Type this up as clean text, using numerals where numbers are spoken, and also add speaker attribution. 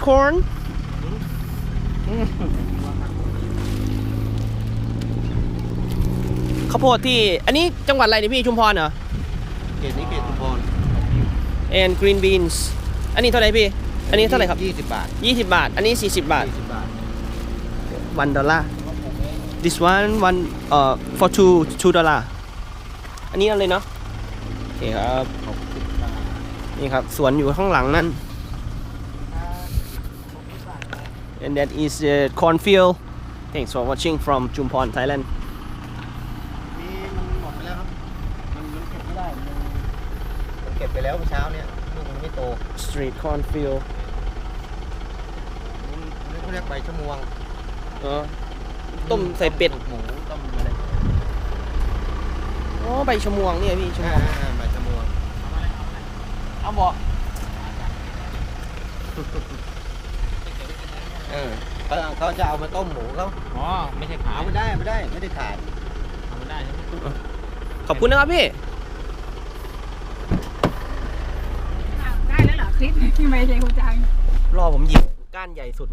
Speaker 1: corn ข้าวโพดที่อันนี้จังหวัดอะไรนี่พี่ชุมพรเหรอ
Speaker 2: เขตนี้เขตชุมพร
Speaker 1: and green beans อันนี้เท่าไหร่พี่อันนี้เท่าไหร่ครับ
Speaker 2: 20 บาท
Speaker 1: 20 บาทอันนี้40 บาท
Speaker 2: 20 บาท
Speaker 1: $1 this one for $2 อันนี้อะไรเนาะโอเคครับนี่ครับสวนอยู่ข้างหลังนั่น and that is the cornfield thanks for watching from Chumpon Thailand
Speaker 2: นี่มันหมดไปแล้วครับมันเก็บไม่ได้มันเก็บไปแล้วเมื่อเช้าเนี่ยลูกมันไม่โต
Speaker 1: street cornfield
Speaker 2: นี่เขาเรียกใบชะมวง
Speaker 1: ต้มใส่เป็ด
Speaker 2: หมูต้มอะไร
Speaker 1: อ๋อใบชะมวงเนี่ยพี่ชะมวง
Speaker 2: ใบชะมวง
Speaker 1: เอาบอก
Speaker 2: เขาจะเอามาต้มหมูเขา
Speaker 3: อ๋อไม่ใช่ขาย
Speaker 2: เอาไม่ได้ไม่ได้ขาย
Speaker 3: เอาไม่ได้ใช่ไหม
Speaker 1: ขอบคุณนะครับพี่
Speaker 4: ได้แล้วเหรอคลิปที่ไม่ใช่คุณจัง
Speaker 1: รอผมหยิบก้านใหญ่สุด